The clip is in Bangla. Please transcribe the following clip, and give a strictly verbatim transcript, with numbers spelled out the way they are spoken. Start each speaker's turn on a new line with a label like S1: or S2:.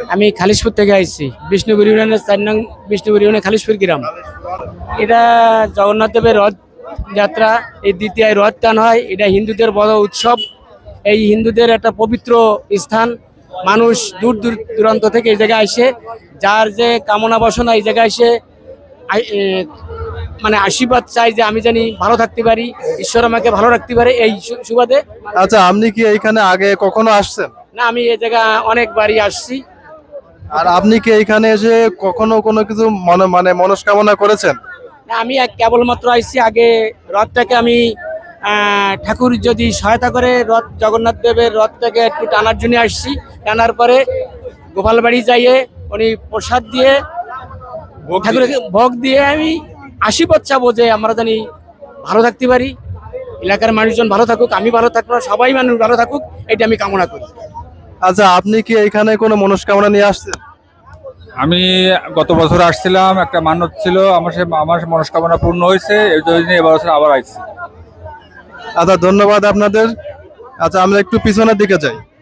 S1: আমি খালিশপুর থেকে আইছি, বিষ্ণুপুর ইউনিয়নের চার নং বিষ্ণুপুর ইউনিয়নের খালিশপুর গ্রাম। এটা জগন্নাথ দেবের রথ যাত্রা, এই দ্বিতীয় রথ টান হয়। এটা হিন্দুদের বড় উৎসব। এই হিন্দুদের একটা পবিত্র স্থান। মানুষ দূর দূর দূরান্ত থেকে এই জায়গায় আসে, যার যে কামনা বাসনা এই জায়গায় এসে আই- এ, মানে আশীর্বাদ চাই যে আমি জানি ভালো থাকতে পারি, ঈশ্বর আমাকে ভালো রাখতে পারে, এই সু- সুবাদে।
S2: আচ্ছা, আপনি কি এইখানে আগে কখনো আসছেন?
S1: না, আমি এই জায়গা অনেকবারই আসছি।
S2: আর আপনি কি এইখানে এসে কখনো কোনো কিছু মনে মানে মনস্কামনা করেছেন?
S1: না, আমি এক কেবলমাত্র আইছি। আগে রথটাকে আমি আহ, ঠাকুর যদি সহায়তা করে রথ জগন্নাথ দেবের রথটাকে একটু টানার জন্য আসছি। টানার পরে গোপালবাড়ি যাইয়ে উনি প্রসাদ দিয়ে ঠাকুরকে ভোগ দিয়ে আমি আশীর্বাদ চাবো যে আমরা জানি ভালো থাকতে পারি, এলাকার মানুষজন ভালো থাকুক, আমি ভালো থাকবো, সবাই মানুষ ভালো থাকুক, এটা আমি কামনা করি।
S2: আচ্ছা, আপনি কি এইখানে কোনো মনস্কামনা নিয়ে আসছেন?
S3: আমি গত বছর আসছিলাম, একটা মান্যত ছিল আমার, সে আমার মনস্কামনা পূর্ণ হয়েছে, এই জন্য এবার বছর আবার আসছি।
S2: আচ্ছা, ধন্যবাদ আপনাদের। আচ্ছা, আমরা একটু পিছনের দিকে যাই।